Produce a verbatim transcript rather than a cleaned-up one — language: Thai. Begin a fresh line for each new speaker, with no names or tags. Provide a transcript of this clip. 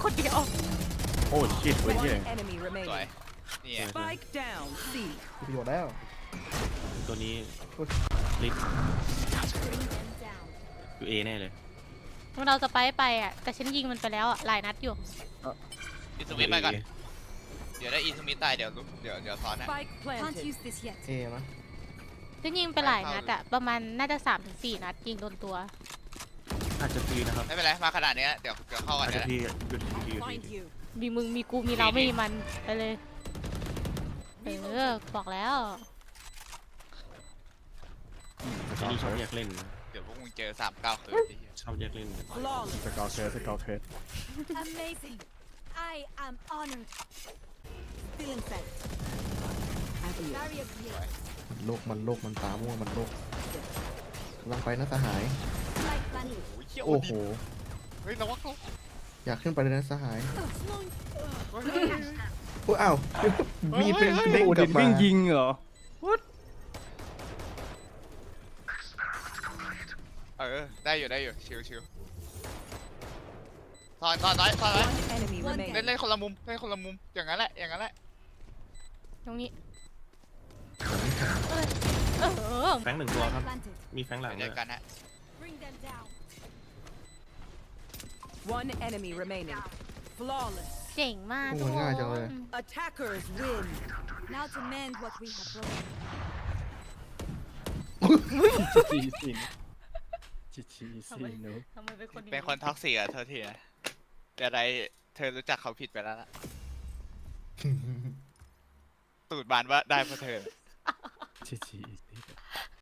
คนเดียว
โอ้ชิตเว้ยเหี้ย
One enemy
สวย
remaining.
นี่ไง
Spike down. C.
มีประโยชน์แล้ว
ตัวนี้ลิฟอยู่เอแน่เลย
เราจะไปไปอ่ะแต่ฉันยิงมันไปแล้วอ่ะหลายนัดอยู่
อิสมิธไปก่อนเดี๋ยวได้อิสมิธตายเดี๋ยวเดี๋ยวเดี๋ยวซ้อนนะ
Spike
Can't
planted.
use this yet.
เอมั้ย
ฉันยิงไปหลายนัดอ่ะประมาณน่าจะสามถึงสี่นัดยิงโดนตัว
อาจจะพีนะครับ
ไม่เป็นไรมาขนาดนี้เดี๋ยวเดี๋ยวเข้ากัน
อาจ
เดี๋
จะ
ยว
พีหยุดพีอยู่
Find
ที
you.
มีมึงมีกูมีเราไม่มีมันไปเลยเออบอกแล้ว
ทีนี้ชอบแยกเล่น
เดี๋ยวพวกมึงเจอสามเก้าคืน
ชอบแยกเล่น
Flawless.
สกอร์เคสสกอร์เคส
Amazing. I am honored.
Still inside.
Barrier clear.
มันโลกมันโลกมันตาม่วงมันโลกกำลังไปนะสหาย
Light planted.
โอ้โห
เฮ้ยระวังเขา
อยากขึ้นไปเลยนะสหายโอ้อ้าวมีดเป็นเด้งกลับมา
วิ่งยิงเหรอ
เออได้อยู่ได้อยู่ชิวชิวซ้อนซ้อนซ้อนซ้อนไว้
One enemy
One
เล่น
remaining.
เล่นคนละมุมเล่นคนละมุมอย่างนั้นแหละอย่างนั้นแหละ
ตรงนี้
หลังขา
เออ
แฟงหนึ่งตัวครับ
Light planted.
มีแฟงหลัง
เดี๋
ด้
ยว
วย
กันฮะ
Bring them down.
One enemy remaining. Flawless.
เจ๋งมาก
โอ้
ทุก
มัน
ค
ง่ายจังเลย
น
Attackers win.
Now to mend what we have broken.
จีสินจีจีสินเนอะ
ทำไมเป็นคนอย่าง
เป็นคนท็อกซิกอะเธอทีนะเดี๋ยวใดเธอรู้จักเขาผิดไปแล้วล่ะตูดบานว่าได้เพราะเธอ
จีจี